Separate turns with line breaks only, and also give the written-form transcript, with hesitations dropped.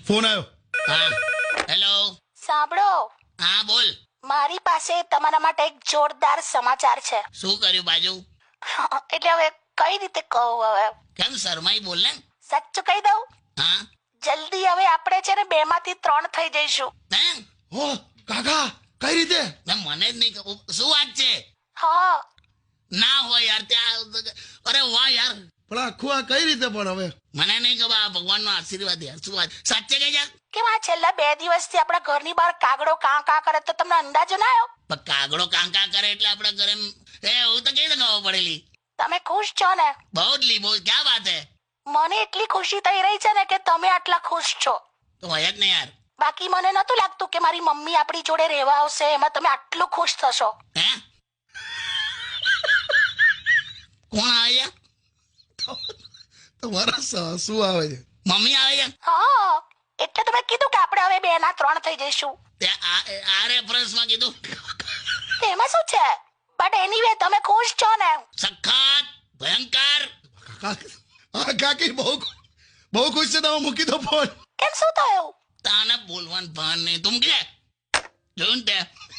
Phone આવ્યો.
હા hello.
સાંભળો,
હા બોલ.
મારી પાસે તમારા માટે એક જોરદાર સમાચાર છે.
શું કર્યું બાજુ?
એટલે હવે કઈ રીતે કહું? હવે
કેમ શરમાઈ બોલ ને.
સાચું કહી દઉં?
હા
જલ્દી હવે આપણે છે ને 2 માંથી 3 થઈ જઈશું.
હે
હો કાકા, કઈ રીતે?
મને જ નહીં ખબર. શું વાત છે?
હા,
ના હોય યાર ત્યાં. અરે વાહ યાર,
પણ આખું આ કઈ રીતે? પણ હવે
મને નહીં ખબર. આ ભગવાનનો આશીર્વાદ યાર. શું વાત સાચે કે યાર?
કેમ આ છેલ્લા 2 દિવસથી આપણા ઘરની બહાર કાગડો કાં કાં કરે તો તમને અંદાજો ના આવ્યો?
પણ કાગડો કાંકા કરે એટલે આપણા ઘરે હું તો કેવી રીતે ખબર પડેલી?
તમે ખુશ છો ને?
બહુ જ લી બહુ. ક્યાં વાત હે?
મને એટલી ખુશી થઈ રહી છે ને કે તમે આટલા ખુશ છો.
તો હોય જ ને યાર.
બાકી મને નતું લાગતું કે મારી મમ્મી આપણી જોડે રહેવા આવશે, એમાં તમે આટલું ખુશ થશો.
હે કોણ આવે છે?
તમારા સાસુ આવે છે.
મમ્મી આવે છે?
હા, એટલે તમે કીધું કે આપણે હવે 2 ના 3 થઈ જઈશું.
તે આ રેફરન્સમાં કીધું.
એમાં શું છે? બટ એનીવે તમે ખુશ છો ને?
સખત ભયંકર.
હા કાકી, બહુ ખુશ છે. તમે મૂકી દો ફોન.
કેમ, શું થયું?
તાને બોલવાનું ભાન નહીં. તું કે જોયું ને તે